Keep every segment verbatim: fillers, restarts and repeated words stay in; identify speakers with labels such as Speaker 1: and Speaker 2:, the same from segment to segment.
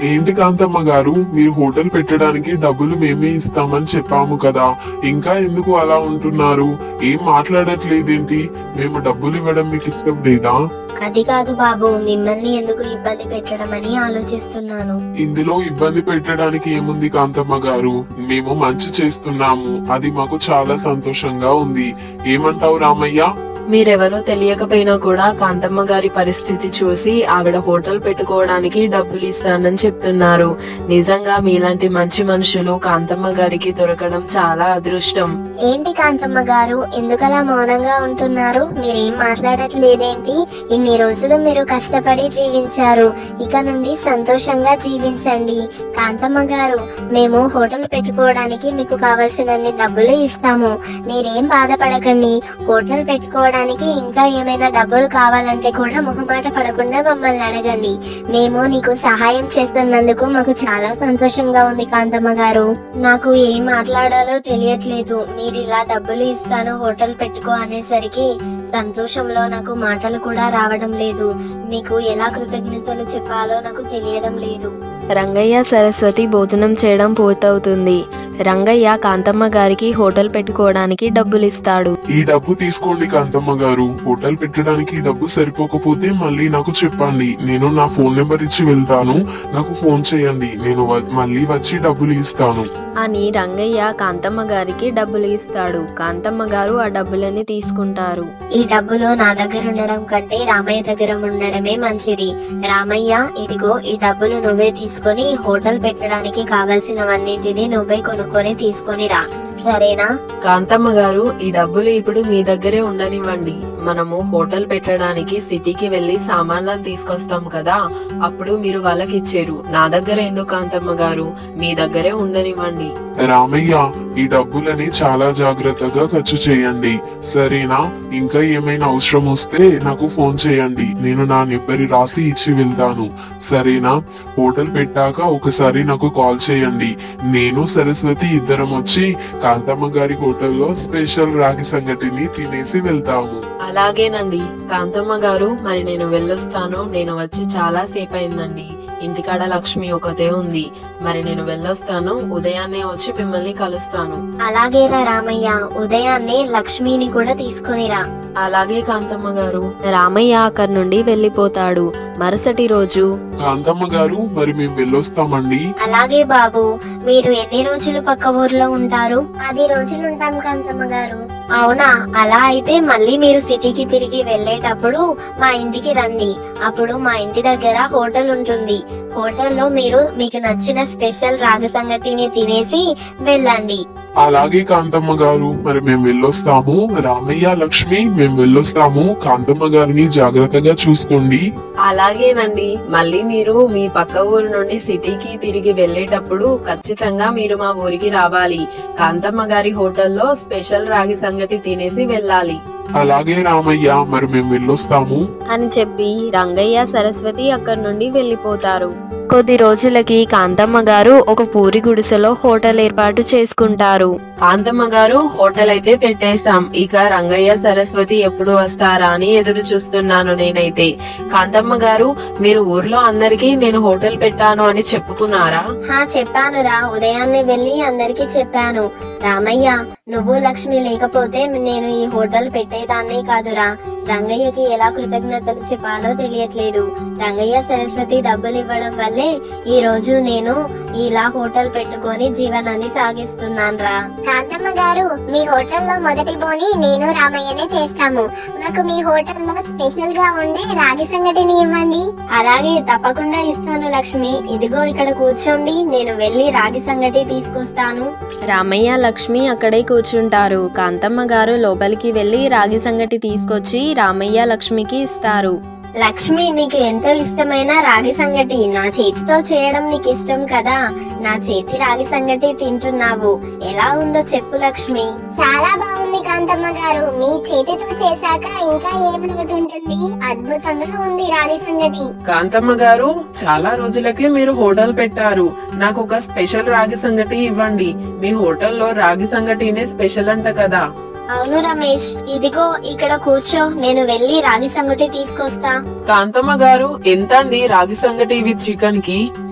Speaker 1: ఏంటి కాంతమ్మ గారు, మీరు హోటల్ పెట్టడానికి డబ్బులు మేమే ఇస్తామని చెప్పాము కదా, ఇంకా ఎందుకు అలా ఉంటున్నారు? ఏం మాట్లాడట్లేదేంటి? మేము డబ్బులు ఇవ్వడం మీకు ఇష్టం లేదా?
Speaker 2: అది కాదు బాబు, మిమ్మల్ని ఎందుకు ఇబ్బంది పెట్టడం అని ఆలోచిస్తున్నాను.
Speaker 1: ఇందులో ఇబ్బంది పెట్టడానికి ఏముంది కాంతమ్మ గారు? మేము మంచి చేస్తున్నాము, అది మాకు చాలా సంతోషంగా ఉంది. ఏమంటావు రామయ్య?
Speaker 3: మీరెవరో తెలియకపోయినా కూడా కాంతమ్మ గారి పరిస్థితి చూసి ఆవిడ హోటల్ పెట్టుకోవడానికి డబ్బులు ఇస్తానని చెప్తున్నారు. నిజంగా మీలాంటి మంచి మనుషులు కాంతమ్మ గారికి దొరకడం చాలా అదృష్టం.
Speaker 2: ఏంటి కాంతమ్మ గారు, ఎందుకలా మౌనంగా ఉంటున్నారు? మీరేం మాట్లాడట్లేదేంటి? ఇన్ని రోజులు మీరు కష్టపడి జీవించారు, ఇక నుండి సంతోషంగా జీవించండి. కాంతమ్మ గారు, మేము హోటల్ పెట్టుకోవడానికి మీకు కావలసినన్ని డబ్బులు ఇస్తాము, మీరేం బాధపడకండి. హోటల్ పెట్టుకోవడానికి ఇంకా ఏమైనా డబ్బులు కావాలంటే కూడా మొహమాట పడకుండా మమ్మల్ని అడగండి. మేము నీకు సహాయం చేస్తున్నందుకు మాకు చాలా సంతోషంగా ఉంది కాంతమ్మ గారు. నాకు ఏం మాట్లాడాలో తెలియట్లేదు. మీరు ఇలా డబ్బులు ఇస్తాను హోటల్ పెట్టుకో అనేసరికి సంతోషంలో నాకు మాటలు కూడా రావడం లేదు. మీకు ఎలా కృతజ్ఞతలు చెప్పాలో నాకు తెలియడం లేదు.
Speaker 3: రంగయ్య సరస్వతి భోజనం చేయడం పూర్తవుతుంది. రంగయ్య కాంతమ్మ గారికి హోటల్ పెట్టుకోవడానికి డబ్బులు ఇస్తాడు.
Speaker 1: ఈ డబ్బు తీసుకోండి కాంతమ్మ గారు, హోటల్ పెట్టడానికి డబ్బు సరిపోకపోతే మళ్ళీ నాకు చెప్పండి, నేను నా ఫోన్ నెంబర్ ఇచ్చి వెళ్తాను, నాకు ఫోన్ చేయండి, నేను మళ్ళీ వచ్చి డబ్బులు ఇస్తాను
Speaker 3: అని రంగయ్య కాంతమ్మ గారికి డబ్బులు ఇస్తాడు. కాంతమ్మ గారు ఆ డబ్బులని తీసుకుంటారు.
Speaker 2: ఈ డబ్బులు నా దగ్గర ఉండడం కంటే రామయ్య దగ్గర ఉండడమే మంచిది. రామయ్య, ఇదిగో ఈ డబ్బులు నువ్వే తీసుకొని హోటల్ పెట్టడానికి కావలసినవన్నింటినీ నువ్వే కొనుక్కొని తీసుకొని రా, సరేనా?
Speaker 3: కాంతమ్మ గారు, ఈ డబ్బులు ఇప్పుడు మీ దగ్గరే ఉండనివ్వండి. మనము హోటల్ పెట్టడానికి సిటీకి వెళ్లి సామాన్లను తీసుకొస్తాం కదా, అప్పుడు మీరు వాళ్ళకి ఇచ్చారు. నా దగ్గర ఎందుకు కాంతమ్మ గారు, మీ దగ్గరే ఉండనివ్వండి.
Speaker 1: రామయ్య, ఈ డబ్బులని చాలా జాగ్రత్తగా ఖర్చు చేయండి, సరేనా? ఇంకా ఏమైనా అవసరం వస్తే నాకు ఫోన్ చేయండి, నేను నా నెంబర్ రాసి ఇచ్చి వెళ్తాను, సరేనా? హోటల్ పెట్టాక ఒకసారి నాకు కాల్ చేయండి. నేను సరస్వతి ఇద్దరం వచ్చి కాంతమ్మ గారి హోటల్లో స్పెషల్ రాగి సంగటిని తినేసి వెళ్తాము.
Speaker 3: అలాగేనండి కాంతమ్మ గారు, మరి నేను వెళ్ళొస్తాను. నేను వచ్చి చాలా సేపు అయిందండి. ఇంటికాడ లక్ష్మి ఒకతే ఉంది, మరి నేను వెళ్ళొస్తాను. ఉదయాన్నే వచ్చి మిమ్మల్ని కలుస్తాను.
Speaker 2: అలాగేరా రామయ్య, ఉదయాన్నే లక్ష్మిని కూడా తీసుకొనిరా.
Speaker 3: అలాగే కాంతమ్మ గారు. రామయ్య అక్కడి నుండి వెళ్లిపోతాడు. మరుసటి రోజు,
Speaker 1: కాంతమ్మ గారు, మరి మేము వెళ్ళొస్తామండి.
Speaker 2: అలాగే బాబు, మీరు ఎన్ని రోజులు పక్క ఊర్లో ఉంటారు? పది రోజులు ఉంటాం కాంతమ్మ గారు. అవునా? అలా అయితే మళ్ళీ మీరు సిటీకి తిరిగి వెళ్ళేటప్పుడు మా ఇంటికి రండి. అప్పుడు మా ఇంటి దగ్గర హోటల్ ఉంటుంది. హోటల్లో మీరు మీకు నచ్చిన స్పెషల్ రాగి సంగటిని తినేసి వెళ్ళండి.
Speaker 1: అలాగే కాంతమ్మ గారు, మరి మేము వెళ్ళొస్తాము. రామయ్య, లక్ష్మి, మేము వెళ్ళొస్తాము. కాంతమ్మ గారిని జాగ్రత్తగా చూసుకోండి.
Speaker 3: అలాగేనండి. మళ్ళీ మీరు మీ పక్క ఊరు నుండి సిటీకి తిరిగి వెళ్ళేటప్పుడు ఖచ్చితంగా మీరు మా ఊరికి రావాలి. కాంతమ్మ గారి హోటల్లో స్పెషల్ రాగి సంగటి తినేసి వెళ్ళాలి.
Speaker 1: అలాగే రామయ్య, మరి మేము వెళ్ళొస్తాము
Speaker 3: అని చెప్పి రంగయ్య సరస్వతి అక్కడి నుండి వెళ్లిపోతారు. కొద్ది రోజులకి కాంతమ్మ గారు ఒక పూరి గుడిసెలో హోటల్ ఏర్పాటు చేసుకుంటారు. కాంతమ్మ గారు, హోటల్ అయితే పెట్టేశాం, ఇక రంగయ్య సరస్వతి ఎప్పుడు వస్తారా అని ఎదురు చూస్తున్నాను నేనైతే. కాంతమ్మ గారు, మీరు ఊర్లో అందరికి నేను హోటల్ పెట్టాను అని చెప్పుకున్నారా?
Speaker 2: హా, చెప్పానురా. ఉదయాన్నే వెళ్ళి అందరికి చెప్పాను. రామయ్య, నువ్వు లక్ష్మి లేకపోతే నేను ఈ హోటల్ పెట్టేదాన్నే కాదురా. రంగయ్యకి ఎలా కృతజ్ఞతలు చెప్పాలో తెలియట్లేదు. రంగయ్య సరస్వతి డబ్బులు ఇవ్వడం వల్లే ఈ రోజు నేను ఇలా హోటల్ పెట్టుకొని జీవనాన్ని సాగిస్తున్నాను రా.
Speaker 4: కాంతమ్మ గారు, మీ హోటల్లో మొదటి బోని నేను రామయ్యనే చేస్తాము. నాకు మీ హోటల్లో స్పెషల్ గా ఉండే రాగి సంగటిని ఇవ్వండి.
Speaker 2: అలాగే, తప్పకుండా ఇస్తాను లక్ష్మి. ఇదిగో ఇక్కడ కూర్చోండి, నేను వెళ్ళి రాగి సంగటి తీసుకొస్తాను.
Speaker 3: రామయ్య, లక్ష్మి అక్కడే కూర్చుంటారు. కాంతమ్మ గారు లోపలికి వెళ్లి రాగి సంగటి తీసుకొచ్చి రామయ్య, లక్ష్మికి ఇస్తారు.
Speaker 2: లక్ష్మి, నీకు ఎంతో ఇష్టమైన రాగి సంగటి నా చేతితో చేయడం నీకు ఇష్టం కదా. నా చేతి రాగి సంగటి తింటున్నావు, ఎలా ఉందో చెప్పు లక్ష్మి.
Speaker 4: చాలా బాగుంది కాంతమ్మ గారు. మీ చేతితో చేశాక ఇంకా ఏమిటి ఉంటుంది. అద్భుతంగా ఉంది రాగి సంగటి.
Speaker 5: కాంతమ్మ గారు, చాలా రోజులకే మీరు హోటల్ పెట్టారు. నాకు ఒక స్పెషల్ రాగి సంగటి ఇవ్వండి. మీ హోటల్లో రాగి సంగటినే స్పెషల్ అంట కదా.
Speaker 2: అవును రమేష్, ఇదిగో ఇక్కడ కూర్చో, నేను వెళ్ళి రాగి సంగటి తీసుకొస్తా.
Speaker 5: కాంతమ్మ గారు, ఎంత అండి రాగి సంగటి విత్ చికెన్ కి?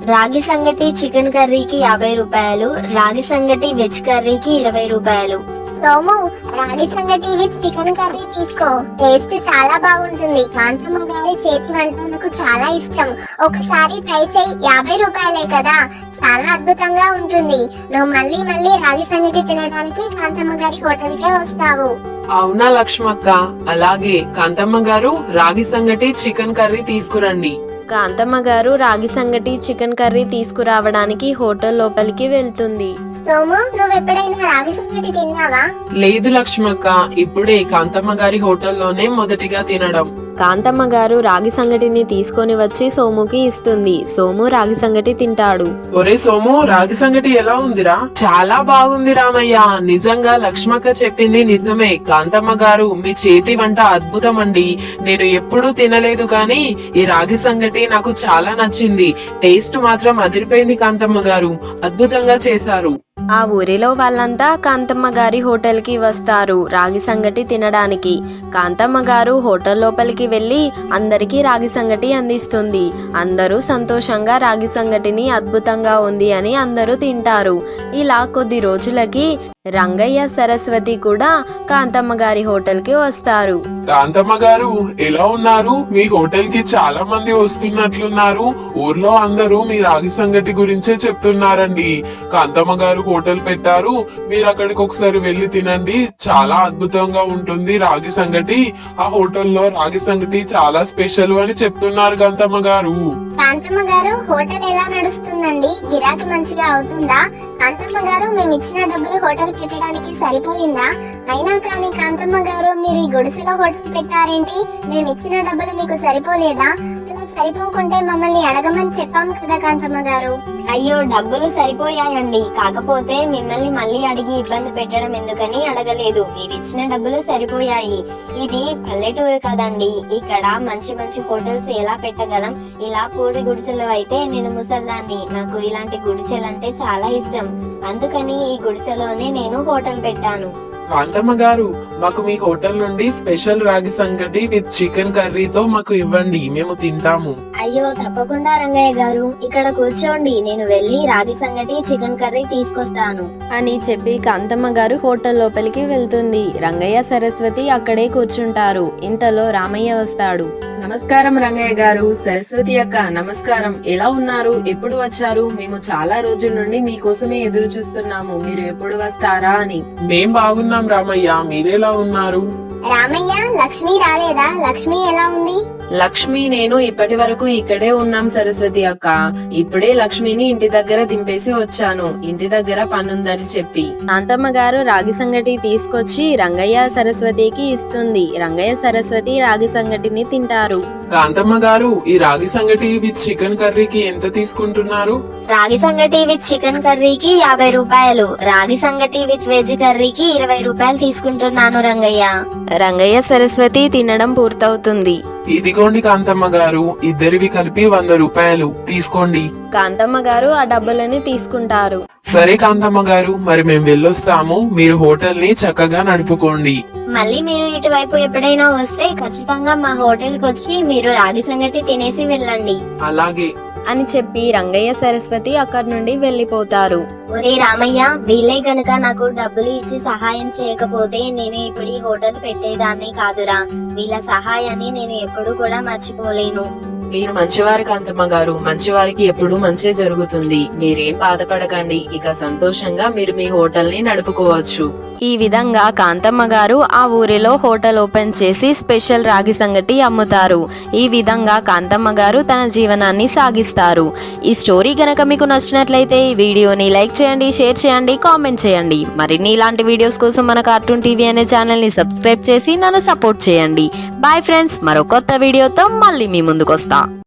Speaker 2: రాగి సంగటి చికెన్ కర్రీకి యాభై రూపాయలు, రాగి సంగటి వెజ్ కర్రీకి ఇరవై రూపాయలు.
Speaker 4: సోము, రాగి సంగటి విత్ చికెన్ కర్రీ తీసుకో. టేస్ట్ చాలా బాగుంటుంది. కాంతమ్మ గారి చేతి వంట నాకు చాలా ఇష్టం. ఒకసారి ట్రై చేయి. యాభై రూపాయలే కదా, చాలా అద్భుతంగా ఉంటుంది. నువ్వు మళ్ళీ మళ్ళీ రాగి సంగటి తినడానికి కాంతమ్మ గారి హోటల్ కే వస్తావు.
Speaker 5: అవునా లక్ష్మక్క? అలాగే కాంతమ్మ గారు రాగి సంగటి చికెన్ కర్రీ తీసుకురండి.
Speaker 3: కాంతమ్మ గారు రాగి సంగటి చికెన్ కర్రీ తీసుకురావడానికి హోటల్ లోపలికి వెళ్తుంది.
Speaker 4: సోము, నువ్వు ఎప్పుడైనా రాగి సంగటి తిన్నావా?
Speaker 5: లేదు లక్ష్మక్క, ఇప్పుడే కాంతమ్మ గారి హోటల్లోనే మొదటిగా తినడం.
Speaker 3: కాంతమ్మ గారు రాగి సంగటిని తీసుకొని వచ్చి సోముకి ఇస్తుంది. సోము రాగి సంగటి తింటాడు.
Speaker 5: ఒరే సోము, రాగి సంగటి ఎలా ఉందిరా? చాలా బాగుంది రామయ్య. నిజంగా లక్ష్మక్క చెప్పింది నిజమే. కాంతమ్మ గారు మీ చేతి వంట అద్భుతం అండి. నేను ఎప్పుడూ తినలేదు కానీ ఈ రాగి సంగటి నాకు చాలా నచ్చింది. టేస్ట్ మాత్రం అదిరిపోయింది కాంతమ్మ గారు. అద్భుతంగా చేశారు.
Speaker 3: ఆ ఊరిలో వాళ్ళంతా కాంతమ్మ గారి హోటల్ కి వస్తారు రాగి సంగటి తినడానికి. కాంతమ్మ గారు హోటల్ లోపలికి వెళ్లి అందరికీ రాగి సంగటి అందిస్తుంది. అందరూ సంతోషంగా రాగి సంగటిని అద్భుతంగా ఉంది అని అందరూ తింటారు. ఇలా కొద్ది రోజులకి రంగయ్య, సరస్వతి కూడా కాంతమ్మ గారి హోటల్ కి వస్తారు.
Speaker 1: కాంతమ్మ గారు ఎలా ఉన్నారు? మీ హోటల్ కి చాలా మంది వస్తున్నట్లున్నారు. ఊర్లో అందరూ మీ రాగి సంగటి గురించే చెప్తున్నారండి. కాంతమ్మ గారు హోటల్ పెట్టారు, మీరు అక్కడికి ఒకసారి వెళ్లి తినండి. చాలా అద్భుతంగా ఉంటుంది రాగి సంగటి. ఆ హోటల్లో రాగి సంగటి చాలా స్పెషల్ అని చెప్తున్నారు కాంతమ్మ గారు.
Speaker 4: కాంతమ్మ గారు, హోటల్ ఎలా నడుస్తుందండి? గిరాకీ మంచిగా అవుతుందా? కాంతమ్మ గారు, మేము ఇచ్చిన డబ్బులు హోటల్ పెట్టడానికి సరిపోయిందా? అయినా కానీ కాంతమ్మ గారు, మీరు ఈ గుడిసెలో హోటల్ పెట్టారేంటి? మేము ఇచ్చిన డబ్బులు మీకు సరిపోలేదా? అలా సరిపోకుంటే మమ్మల్ని అడగమని చెప్పాము కదా కాంతమ్మ గారు.
Speaker 2: అయ్యో, డబ్బులు సరిపోయాయండి. కాకపోతే మిమ్మల్ని మళ్ళీ అడిగి ఇబ్బంది పెట్టడం ఎందుకని అడగలేదు. మీరిచ్చిన డబ్బులు సరిపోయాయి. ఇది పల్లెటూరు కదండి, ఇక్కడ మంచి మంచి హోటల్స్ ఎలా పెట్టగలం? ఇలా పూడి గుడిసెలో అయితే నేను ముసల్దాన్ని, నాకు ఇలాంటి గుడిసెలంటే చాలా ఇష్టం. అందుకని ఈ గుడిసెలోనే నేను హోటల్ పెట్టాను.
Speaker 5: కాంతమ్మ గారు, మాకు మీ హోటల్ నుండి స్పెషల్ రాగి సంగటి విత్ చికెన్ కర్రీతో మాకు ఇవ్వండి, మేము తింటాము.
Speaker 2: అయ్యో, తప్పకుండా రంగయ్య గారు, ఇక్కడ కూర్చోండి. నేను వెళ్ళి రాగి సంగటి చికెన్ కర్రీ తీసుకొస్తాను
Speaker 3: అని చెప్పి కాంతమ్మ గారు హోటల్ లోపలికి వెళ్తుంది. రంగయ్య, సరస్వతి అక్కడే కూర్చుంటారు. ఇంతలో రామయ్య వస్తాడు.
Speaker 5: నమస్కారం రంగయ్య గారు. సరస్వతి అక్క నమస్కారం. ఎలా ఉన్నారు? ఎప్పుడు వచ్చారు? మేము చాలా రోజుల నుండి మీకోసమే ఎదురు చూస్తున్నాము, మీరు ఎప్పుడు వస్తారా అని. మేం బాగున్నాం రామయ్య, మీరెలా ఉన్నారు?
Speaker 4: రామయ్య, లక్ష్మి రాలేదా? లక్ష్మి ఎలా ఉంది?
Speaker 5: లక్ష్మి నేను ఇప్పటి వరకు ఇక్కడే ఉన్నాం సరస్వతి అక్క. ఇప్పుడే లక్ష్మిని ఇంటి దగ్గర దింపేసి వచ్చాను, ఇంటి దగ్గర పనుందని చెప్పి.
Speaker 3: కాంతమ్మ గారు రాగి సంగటి తీసుకొచ్చి రంగయ్య, సరస్వతికి ఇస్తుంది. రంగయ్య, సరస్వతి రాగి సంగటిని తింటారు.
Speaker 5: కాంతమ్మ గారు, ఈ రాగి సంగటి విత్ చికెన్ కర్రీకి ఎంత తీసుకుంటున్నారు?
Speaker 2: రాగి సంగటి విత్ చికెన్ కర్రీకి యాభై రూపాయలు, రాగి సంగటి విత్ వెజ్ కర్రీకి ఇరవై రూపాయలు తీసుకుంటున్నాను రంగయ్య.
Speaker 3: రంగయ్య, సరస్వతి తినడం పూర్తవుతుంది.
Speaker 5: ఇదిగోండి కాంతమ్మ గారు, ఇద్దరివి కలిపి వంద రూపాయలు తీసుకోండి.
Speaker 3: కాంతమ్మ గారు ఆ డబ్బులని తీసుకుంటారు.
Speaker 5: సరే కాంతమ్మ గారు, మరి మేము వెళ్ళొస్తాము. మీరు హోటల్ ని చక్కగా నడుపుకోండి.
Speaker 2: మళ్ళీ మీరు ఇటువైపు ఎప్పుడైనా వస్తే ఖచ్చితంగా మా హోటల్ కి వచ్చి మీరు రాగి సంగటి తినేసి వెళ్ళండి.
Speaker 5: అలాగే
Speaker 3: అని చెప్పి రంగయ్య, సరస్వతి అక్కడి నుండి వెళ్లిపోతారు.
Speaker 2: ఒరే రామయ్య, వీళ్ళే గనుక నాకు డబ్బులు ఇచ్చి సహాయం చేయకపోతే నేను ఇప్పుడు ఈ హోటల్ పెట్టేదాన్ని కాదురా. వీళ్ళ సహాయాన్ని నేను ఎప్పుడు కూడా మర్చిపోలేను.
Speaker 5: మీరు మంచివారు కాంతమ్మ గారు, మంచివారికి ఎప్పుడు మంచి జరుగుతుంది. మీరేం బాధపడకండి, ఇక సంతోషంగా మీరు మీ హోటల్ ని నడుపుకోవచ్చు.
Speaker 3: ఈ విధంగా కాంతమ్మ గారు ఆ ఊరిలో హోటల్ ఓపెన్ చేసి స్పెషల్ రాగి సంగటి అమ్ముతారు. ఈ విధంగా కాంతమ్మ గారు తన జీవనాన్ని సాగిస్తారు. ఈ స్టోరీ గనక మీకు నచ్చినట్లయితే ఈ వీడియోని లైక్ చేయండి, షేర్ చేయండి, కామెంట్ చేయండి. మరిన్ని ఇలాంటి వీడియోస్ కోసం మన కార్టూన్ టీవీ అనే ఛానల్ ని సబ్స్క్రైబ్ చేసి నన్ను సపోర్ట్ చేయండి. బాయ్ ఫ్రెండ్స్, మరో కొత్త వీడియోతో మళ్ళీ మీ ముందుకు వస్తా.